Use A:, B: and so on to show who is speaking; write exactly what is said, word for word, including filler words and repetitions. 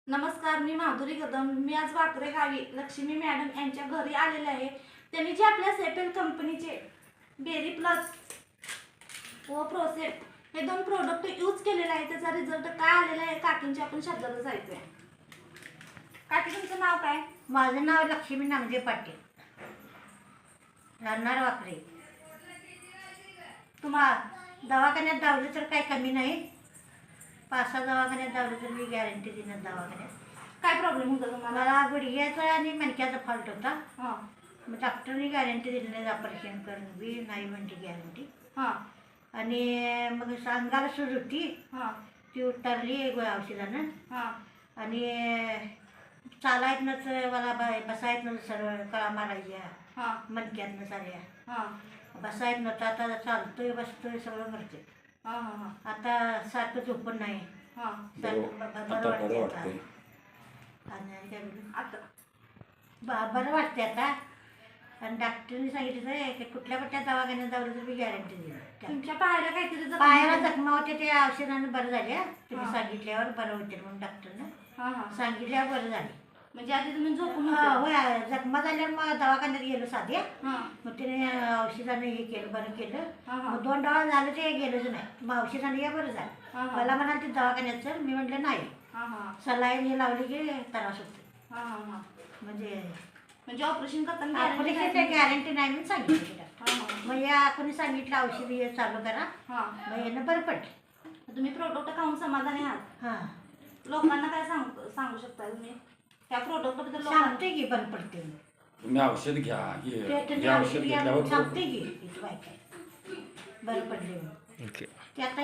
A: नमस्कार, मी माधुरी कदम. मी आज वाकरे गावी लक्ष्मी मॅडम यांच्या घरी आलेले आहे. त्यांनी जे आपल्या सेपेल कंपनीचे बेरी प्लस व प्रोसेट हे दोन प्रोडक्ट यूज केलेले आहे. त्याचा रिझल्ट काय आलेला आहे काकींच्या आपण शब्दाला जायचंय. काकी, तुमचं नाव काय?
B: माझं नाव लक्ष्मी नामदेव पाटील, राहणार वाकरे. तुम्हाला दवाखान्यात धावलं तर काही कमी नाही. पाच सहा दवाखान्यात धावलं तर मी गॅरंटी देणार. दवाखान्यात
A: काय प्रॉब्लेम होता तुम्हाला?
B: मला गुडघ्याचा आणि मणक्याचा फॉल्ट होता.
A: हां
B: मग डॉक्टरने गॅरंटी दिली नाही, ऑपरेशन करून बी नाही म्हणते गॅरंटी.
A: हां
B: आणि मग अंगाला सूज होती,
A: हां
B: ती उतरली औषधानं.
A: हां
B: आणि चालायतनंच मला ब बसायतनं सरळ कळा मारायच्या
A: हां
B: मणक्यातनं साऱ्या.
A: हां
B: बसायत नव्हतं, आता चालतोय बसतोय सगळं करते.
A: हां हां
B: आता सारखं झोपून नाही.
A: हां
B: सारखं ब- ब-
C: आता
B: बरं
C: बरं
B: वाटते
C: वाटतंय.
B: आता. आणि काय बोलू?
A: आता
B: ब- बरं वाटते आता. आणि डॉक्टरने सांगितलं की कुठल्या कुठल्या दवाखान्यात जावलं तर मी गॅरंटी दिली.
A: तुमच्या पायाला काहीतरी जखम
B: पायाला
A: होती?
B: जखमा होते, ते औषधानं बरं झाल्या. तुम्ही
A: हां.
B: सांगितल्यावर बरं होते म्हणून डॉक्टरनं
A: हां हां
B: सांगितल्यावर बरं झाले.
A: म्हणजे आधी तुम्ही झोपून
B: हा,
A: होते?
B: होय. जखमा झाल्यावर मग दवाखान्यात गेलो साध्या.
A: हां
B: मग तिने औषधानं हे केलं, बरं केलं.
A: हां हां
B: मग दोन डोळा झालं ते गेलंच नाही. मग औषधाने या बरं झालं.
A: हां हां
B: मला म्हणाल ते दवाखान्यात चल. मी म्हटलं नाही,
A: हां हां
B: सलाईन हे लावली की त्रास होतो.
A: हां हां हां
B: म्हणजे
A: म्हणजे ऑपरेशन करताना guarantee
B: ऑपरेशनची
A: नाही?
B: गॅरंटी नाही म्हणून सांगितलं तिला.
A: हां हां
B: मग या कोणी सांगितलं औषध हे चालू करा.
A: हां
B: मग यानं बरं पडलं.
A: तुम्ही प्रोडक्ट खाऊन समाधानी आहात?
B: हां,
A: लोकांना काय सांग सांगू शकता तुम्ही त्या प्रोडक्ट बद्दल? लोकांना
B: सांगते की बरं पडते.
C: तुम्ही औषध घ्या हे
B: ते तुम्ही
C: हे
B: औषध
C: औषध
B: घ्या
C: घेतल्यावर
B: सांगते की इथं काय काय बरं पडले म्हणून.
C: ओके.
B: ते आता